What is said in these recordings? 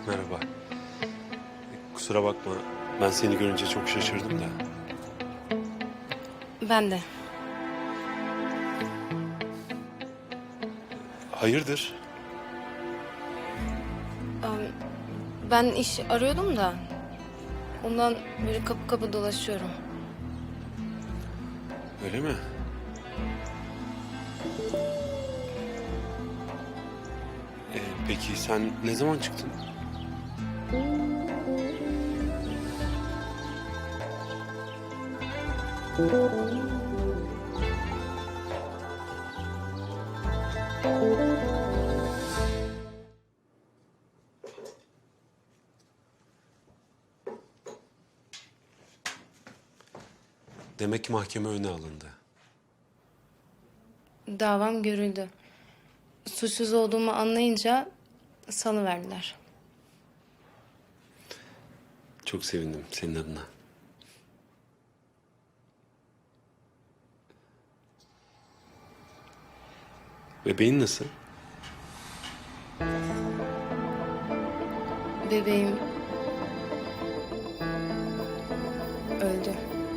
Merhaba. Kusura bakma. Ben seni görünce çok şaşırdım da. Ben de. Hayırdır? Ben iş arıyordum da. Ondan böyle kapı kapı dolaşıyorum. Öyle mi? Peki sen ne zaman çıktın? Demek ki mahkeme öne alındı. Davam görüldü. Suçsuz olduğumu anlayınca salıverdiler. Çok sevindim senin adına. Bebeğin nasıl? Bebeğim öldü.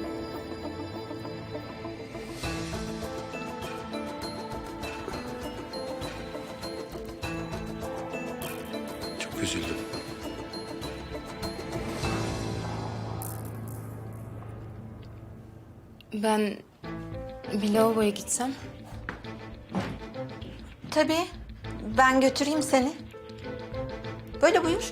Çok üzüldüm. Ben bir lavaboya gitsem. Tabii. Ben götüreyim seni. Böyle buyur.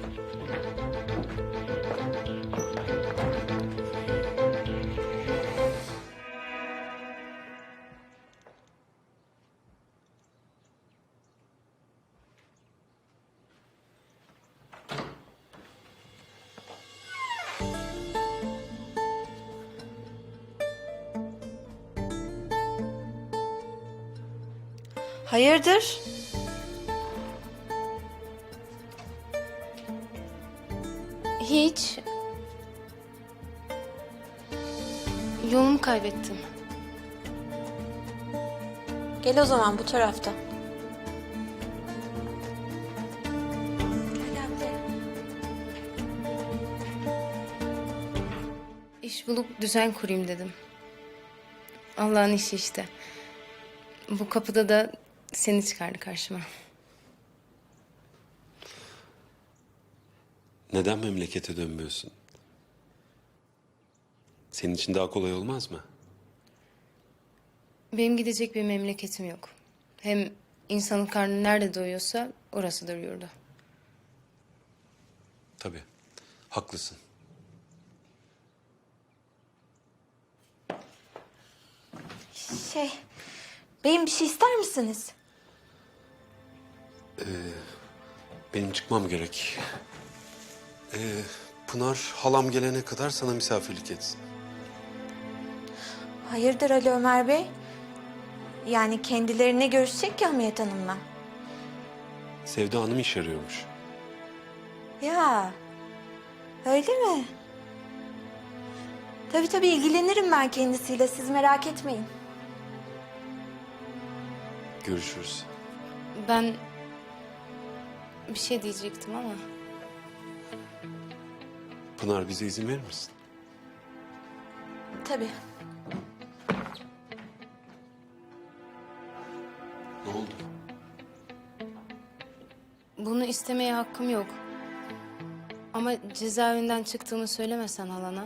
Hayırdır? Hiç. Yolumu kaybettim. Gel o zaman bu tarafta. Gel anne. İş bulup düzen kurayım dedim. Allah'ın işi işte. Bu kapıda da seni çıkardı karşıma. Neden memlekete dönmüyorsun? Senin için daha kolay olmaz mı? Benim gidecek bir memleketim yok. Hem insanın karnı nerede doyuyorsa orasıdır yurdu. Tabii. Haklısın. Beyim bir şey ister misiniz? Benim çıkmam gerek. Pınar halam gelene kadar sana misafirlik etsin. Hayırdır Ali Ömer Bey? Yani kendilerine görüşecek ya Hamiyet Hanım'la. Sevda Hanım iş arıyormuş. Ya, öyle mi? Tabii ilgilenirim ben kendisiyle. Siz merak etmeyin. Görüşürüz. Ben bir şey diyecektim ama Pınar bize izin verir misin? Tabii. Ne oldu? bunu istemeye hakkım yok. Ama cezaevinden çıktığımı söylemesen halana.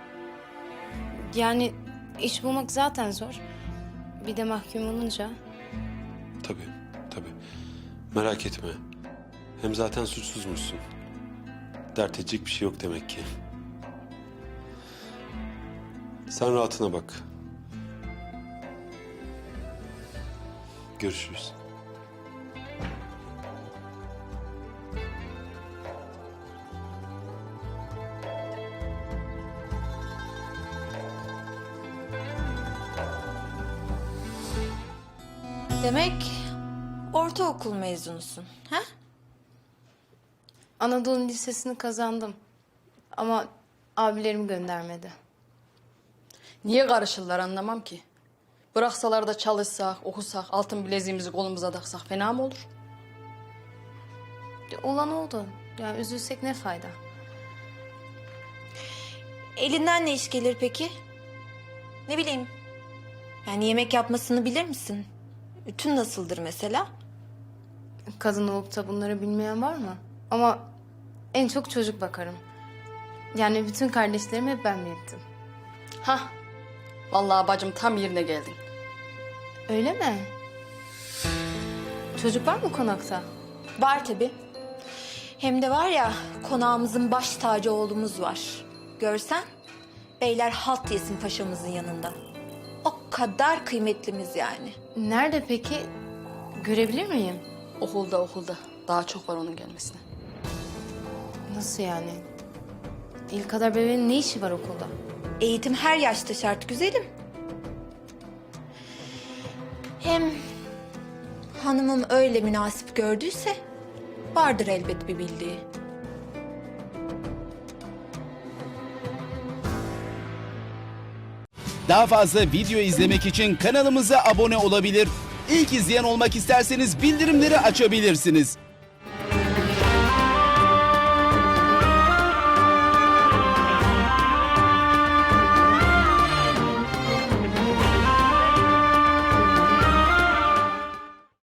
Yani iş bulmak zaten zor. Bir de mahkum olunca. Tabii, tabii. Merak etme. Hem zaten suçsuzmuşsun. Dert edecek bir şey yok demek ki. Sen rahatına bak. Görüşürüz. Demek ortaokul mezunusun, ha? Anadolu Lisesi'ni kazandım. Ama abilerim göndermedi. Niye karışırlar anlamam ki. Bıraksalar da çalışsak, okusak, altın bileziğimizi kolumuza taksak fena mı olur? Olan oldu. Yani üzülsek ne fayda? Elinden ne iş gelir peki? Ne bileyim. Yani yemek yapmasını bilir misin? Ütün nasıldır mesela? Kadın olup da bunları bilmeyen var mı? Ama en çok çocuk bakarım. Yani bütün kardeşlerimi hep ben büyüttüm. Hah. Vallahi bacım tam yerine geldin. Öyle mi? Çocuk var mı konakta? Var tabii. Hem de var ya, konağımızın baş tacı oğlumuz var. Görsen, beyler halt yesin paşamızın yanında. O kadar kıymetlimiz yani. Nerede peki? Görebilir miyim? Okulda. Daha çok var onun gelmesine. Nasıl yani? El kadar bebeğin ne işi var okulda? Eğitim her yaşta şart güzelim. Hem hanımım öyle münasip gördüyse vardır elbet bir bildiği. Daha fazla video izlemek için kanalımıza abone olabilir. İlk izleyen olmak isterseniz bildirimleri açabilirsiniz.